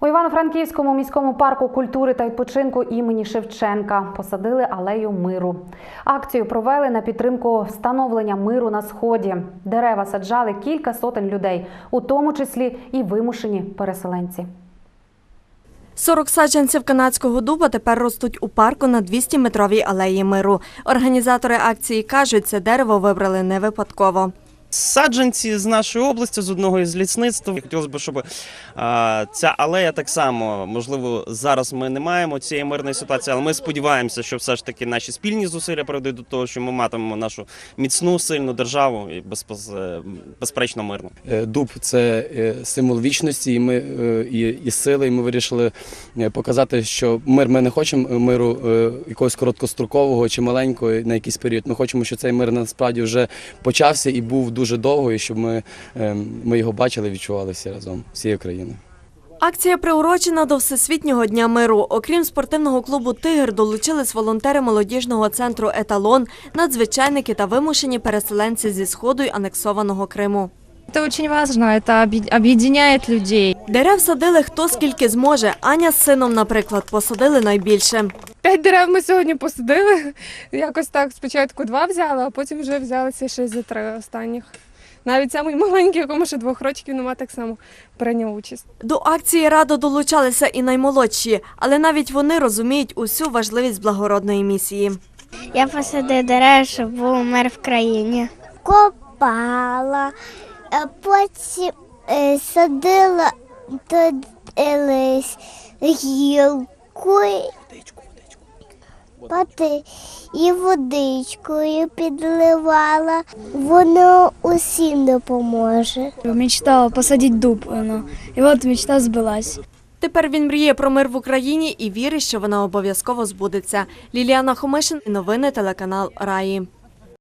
У Івано-Франківському міському парку культури та відпочинку імені Шевченка посадили алею миру. Акцію провели на підтримку встановлення миру на Сході. Дерева саджали кілька сотень людей, у тому числі і вимушені переселенці. 40 саджанців канадського дуба тепер ростуть у парку на 200-метровій алеї миру. Організатори акції кажуть, це дерево вибрали не випадково. Саджанці з нашої області, з одного із лісництв. Хотілося б, щоб ця алея так само, можливо, зараз ми не маємо цієї мирної ситуації, але ми сподіваємося, що все ж таки наші спільні зусилля приведуть до того, що ми матимемо нашу міцну, сильну державу і безперечно мирну. Дуб – це символ вічності і сили, і ми вирішили показати, що ми не хочемо миру якогось короткострокового чи маленького на якийсь період. Ми хочемо, щоб цей мир насправді вже почався і був дуже довго, і щоб ми його бачили, відчували всі разом, всією країною. Акція приурочена до Всесвітнього дня миру. Окрім спортивного клубу «Тигр», долучились волонтери молодіжного центру «Еталон», надзвичайники та вимушені переселенці зі Сходу й анексованого Криму. Это очень важно, это объединяет людей. Дерев садили хто скільки зможе. Аня з сином, наприклад, посадили найбільше. 5 дерев ми сьогодні посадили. Якось так спочатку 2 взяли, а потім вже взялися ще за 3 останніх. Навіть самий маленький, якому ще 2 років нема, так само прийняв участь. До акції радо долучалися і наймолодші, але навіть вони розуміють усю важливість благородної місії. Я посадив дерева, щоб був мир в країні. Копала, потім садила гілку і водичкою підливала. Воно усім допоможе. Мечтала посадити дуб, і от мечта збилась. Тепер він мріє про мир в Україні і вірить, що вона обов'язково збудеться. Ліліана Хомишин, новини телеканал Раї.